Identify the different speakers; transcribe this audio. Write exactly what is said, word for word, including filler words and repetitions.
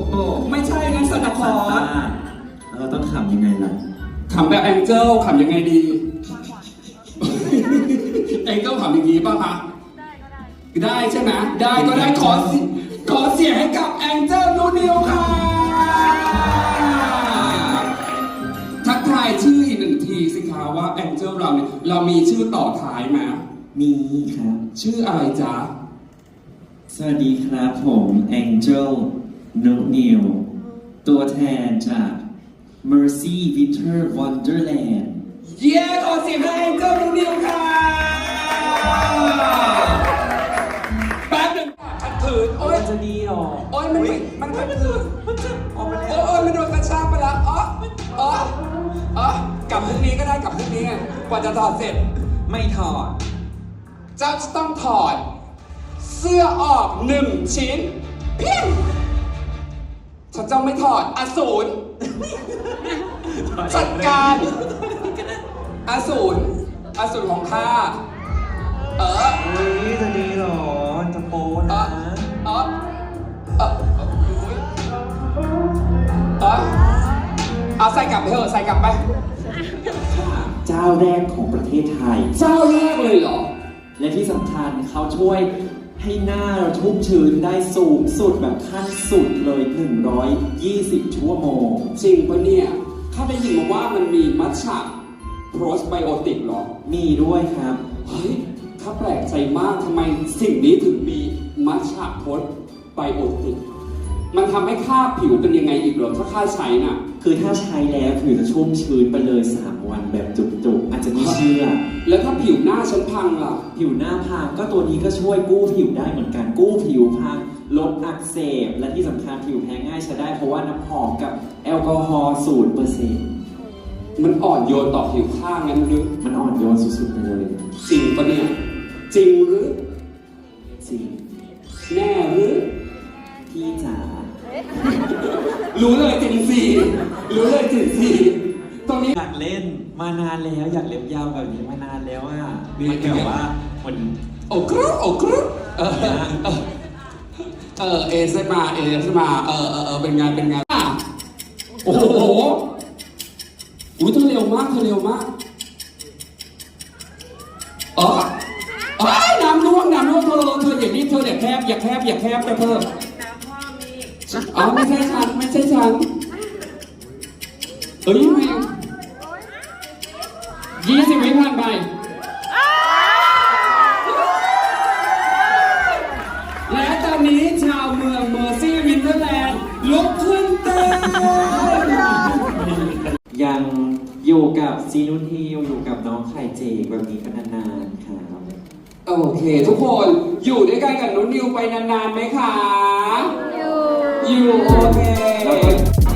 Speaker 1: ไม่ใช่งั้นสันตาคลอส
Speaker 2: เราต้องขำยังไงล่ะ
Speaker 1: ขำแบบแองเจิลขำยังไงดี แองเจิลขำอย่างนี้ป่ะคะได้ใช่ไหมได้ก็ได้ขอขอเสียงให้กับแองเจิลนูนิวค่ะทักทายชื่ออีกหนึ่งทีสิคะว่าแองเจิลเราเนี่ยเรามีชื่อต่อท้ายไหม
Speaker 2: มีครับ
Speaker 1: ชื่ออะไรจ๊ะ
Speaker 2: สวัสดีครับผม Angel n o n e w ตัวแทนจาก Mercy Winter Wonderland
Speaker 1: เย้ขอเสียงให้แองเจิลนูนิวค่ะแป๊บหนึ่งขัดขืนโอ๊ย
Speaker 2: จะดีหรอ
Speaker 1: โอ๊ยมันมันขัดขืนโอ๊ยโอ๊ยมันโดนกระชากไปแล้วอ๋ออ๋ออ๋อกลับพรุ่งนี้ก็ได้กลับพรุ่งนี้ไงกว่าจะถอดเสร็จ
Speaker 2: ไม่ถอด
Speaker 1: เจ้าจะต้องถอดเสื้อออกหนึ่งชิ้นเพียงฉันจะไม่ถอดอสูรจัดการอสูรอสูรของข้าเออ
Speaker 2: เฮ้ยจะดีหรอ จะโป๊
Speaker 1: เอ
Speaker 2: นะ
Speaker 1: อเออเออเออเอาใส่กลับไปเถอะใส่กลับไป
Speaker 2: เจ้าแรกของประเทศไทย
Speaker 1: เจ้าแรกเลยเหรอ
Speaker 2: และที่สำคัญเขาช่วยให้หน้าเราชุ่มชื้นได้สูงสุดแบบขั้นสุดเลยหนึ่งร้อยยี่สิบชั่วโมง
Speaker 1: จริงปะเนี่ยข้าได้ยินมาว่ามันมีมัทฉะโปรสไบโอติกเหรอ
Speaker 2: มีด้วยครับ
Speaker 1: เฮ้ยข้าแปลกใจมากทำไมสิ่งนี้ถึงมีมัทฉะโปรสไบโอติกมันทำให้ข้าผิวเป็นยังไงอีกเหรอถ้าข้าใช้น่ะ
Speaker 2: คือถ้าใช้แล้วผิวจะชุ่มชื้นไปเลยสามวันแบบจุกๆ อาจจะไม่เชื่อ
Speaker 1: แล้วถ้าผิวหน้าฉันพังล่ะ
Speaker 2: ผิวหน้าพังก็ตัวนี้ก็ช่วยกู้ผิวได้เหมือนกัน กู้ผิวพังลดอักเสบ และที่สำคัญผิวแพ้ง่ายใช้ได้เพราะว่าน้ำหอมกับแอลกอฮอล์ศูนย์เปอร์เซ็นต์
Speaker 1: มันอ่อนโยนต่อผิวข้างงั้นหรือ
Speaker 2: มันอ่อนโยนสุดๆไปเลย
Speaker 1: จริงปะเนี่ยจริงหรือ
Speaker 2: จริง
Speaker 1: แน่หรือ
Speaker 2: พี่จ๋า
Speaker 1: รู้เลยจริงสิรู้เลยจริงสิตรงนี้
Speaker 2: อยากเล่นมานานแล้วอยากเล็บยาวแบบนี้มานานแล้วอ่ะมันแบบว่าคน
Speaker 1: โอ้กรุ๊ปโอ้กรุ๊ปเออเออเออเอสมาเอสมาเออเออเออเป็นงานเป็นงานอ่ะโอ้โหอุ้ยเธอเร็วมากเธอเร็วมากเออเอ้ยน้ำร่วงน้ำร่วงเธอเธออย่างนี้เธออย่าแคบอย่าแคบอย่าแคบนะเธออ๋อไม่ใช่ฉันไม่ใช่ฉันเอ้ยยังไงยี่สิบวิผ่านไปและตอนนี้ชาวเมืองเมอร์ซี่วินเทอร์แลนด์ลุกขึ้นเต้น
Speaker 2: ยังอยู่กับซีนุนฮิวอยู่กับน้องไข่เจกแบบนี้กันนานๆครับ
Speaker 1: โอเค ทุกคนอยู่ด้วยกันกับนุ้นนิวไปนานๆไหมคะ อยู่ อยู่โอเค